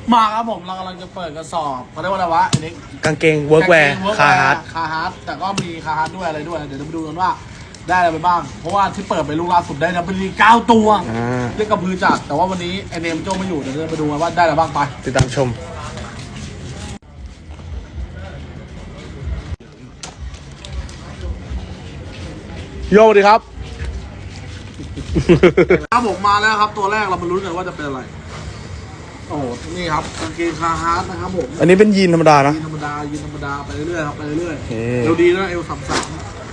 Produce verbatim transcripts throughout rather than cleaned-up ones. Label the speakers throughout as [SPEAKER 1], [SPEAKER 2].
[SPEAKER 1] มาครับผมเรากำลังจะเปิดกระสอบเขาเรียกว่าอะไรวะไอ้นี่
[SPEAKER 2] กางเกงเวิร์กแวร์คาฮาร์ด
[SPEAKER 1] คาฮาร์ดแต่ก็มีคาฮาร์ดด้วยอะไรด้วยเดี๋ยวจะไปดูกันว่าได้อะไรไปบ้างเพราะว่าที่เปิดไปลูกล่าสุดได้ดับเบิลลีเก้าตัวเรียกกระพือจัดแต่ว่าวันนี้ไอเนมโจ้ไม่อยู่เดี๋ยวจะไปดูกันว่าได้อะไรบ้างไป
[SPEAKER 2] ติดตามชมโยสวัสดีครับ
[SPEAKER 1] ครับผมมาแล้วครับตัวแรกเรามาลุ้นกันว่าจะเป็นอะไรโอ้นี่ครับกางเกงคาฮาร์ดนะครับผม
[SPEAKER 2] อันนี้เป็นยีนธรรมดานะ
[SPEAKER 1] ยีนธรรมดายีนธรรมดาไปเรื่อยๆครับไปเรื่อยๆเอวดีนะเอวสามสาม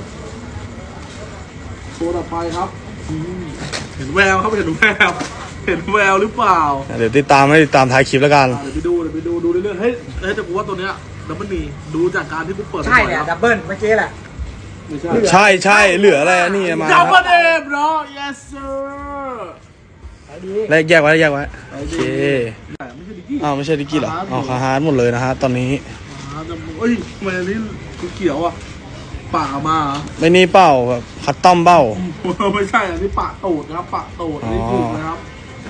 [SPEAKER 1] ตัวต่อไปครับเห็นแววครับเห็นแววเห็นแววหรือเปล่า
[SPEAKER 2] เดี๋ยวติดตามให้ติดตามท้ายคลิปแล้วกัน
[SPEAKER 1] เดี๋ยวไปดูเดี๋ยวไปดูดูเรื่อยๆเฮ้ยเฮ้ยแต่กูว่าตัวเนี้ยดับเบิลนีดูจากการที่กูเปิด
[SPEAKER 3] ใช่เนี่ยดับเบิลเมื่อกี้แหละ
[SPEAKER 1] ไม่ใช่
[SPEAKER 2] ใช่ใช่เหลืออะไรนี่มา
[SPEAKER 1] ดับเบิลเอฟเนาะ yes sir
[SPEAKER 2] แลกแยกไว้แยกไว้โอเคอ้าวไม่ใช่ดิกกี้เหรออ๋อคาฮาร์ดหมดเลยนะฮะตอนนี้
[SPEAKER 1] เอ้ยทำไมอันนี้เขียวอ่ะป่ามา
[SPEAKER 2] ไม่นี่เป้าแบบคัดต้อมเป้า
[SPEAKER 1] ไม่ใช่อันนี้ป่าตูดนะครับป่าตูดนี่ถูกนะครับ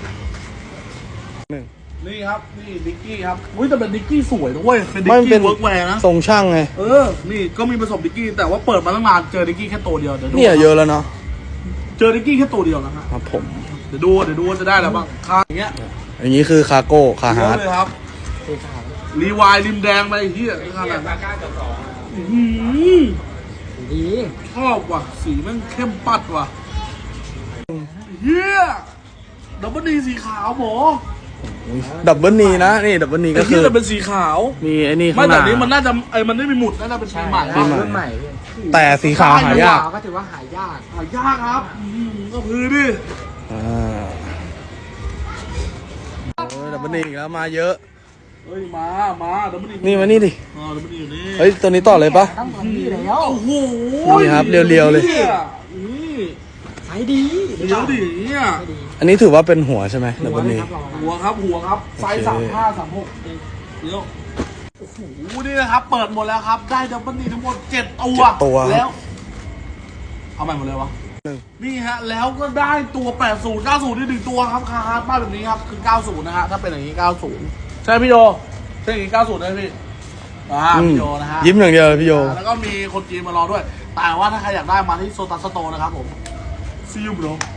[SPEAKER 1] นี่ครับนี่ดิกกี้ครับอุ้ยแต่เป็นดิกกี้สวยนะเว้ยเป็นดิกกี้เวิร์กแวร์นะ
[SPEAKER 2] ทรงช่างไง
[SPEAKER 1] เออนี่ก็มีผสมดิกกี้แต่ว่าเปิดมาตั้งนานเจอดิกกี้แค่ตัวเดียวเดี๋ยวดู
[SPEAKER 2] เนี่ยเยอะแล้วเนาะ
[SPEAKER 1] เจอดิกกี้แค่ตัวเดียวนะ
[SPEAKER 2] ครับผม
[SPEAKER 1] เดี๋ยวดูเดี๋ยวดูว่าจะได้อะไรบ้างคาอย่างเงี้ย
[SPEAKER 2] อย่างนี้คือคาโก้คาฮาร์ด
[SPEAKER 1] เลยครับรีวายริมแดงไปที่ขนาดนั้น
[SPEAKER 3] ดี
[SPEAKER 1] ชอบว่ะสีมันเข้มปัดว่ะเฮียดับเบิลนีสีขาวหมอ
[SPEAKER 2] ดับเบิลนีนะนี่ดับเบิลนีก็คือ
[SPEAKER 1] จะเป็นสีขาว
[SPEAKER 2] มีไอ้นี่
[SPEAKER 1] ข้างหน้าไม่แบบนี้มันน่าจะไอ้มันไม่มีหมุดน่าจะเป็นสีใหม่
[SPEAKER 3] รุ่นใหม่
[SPEAKER 2] แต่สีขาวหายาก
[SPEAKER 3] ก็ถือว่าหายาก
[SPEAKER 1] หายากครับก็คือดิ
[SPEAKER 2] อ่าดับเบิลนีอีกแล้วมาเยอะ
[SPEAKER 1] เฮ้ยมามาดับเบิลนี
[SPEAKER 2] นี่มานี่ดิ
[SPEAKER 1] อ๋อดับเบิลนีอยู่นี่
[SPEAKER 2] เฮ้ยตัวนี้ต่อเลยปะ
[SPEAKER 3] ต้องตัวนี้แล้ว
[SPEAKER 1] โอ้โห
[SPEAKER 2] นี่ครับเรียวๆเลย
[SPEAKER 1] นี่
[SPEAKER 3] ใช้ดี
[SPEAKER 1] เดี๋ยวดิเนี่ย
[SPEAKER 2] อันนี้ถือว่าเป็นหัวใช่ไหมดับเบิลนี
[SPEAKER 1] หัวครับหัวครับไซส์สามห้าสามหกเดี๋ยวโอ้โหนี่นะครับเปิดหมดแล้วครับได้ดับเบิลนีทั้งหมดเจ็ดตัวแล้วเอาใหม่หมดเลยวะนี่ฮะแล้วก็ได้ตัวแปดสิบ เก้าสิบที่หนึ่งตัวครับคาฮาร์ดบ้านแบบนี้ครับคือเก้าสิบนะฮะถ้าเป็นอย่างนี้เก้าสิบใช่พี่โยใช่อย่างนี้เก้าสิบนะพี่อ่าพี่โยนะฮะ
[SPEAKER 2] ยิ้มอย่างเดียวพี่โย
[SPEAKER 1] แล้วก็มีคนจีนมารอด้วยแต่ว่าถ้าใครอยากได้มาที่โซตัสโตนะครับผมซีอูบโร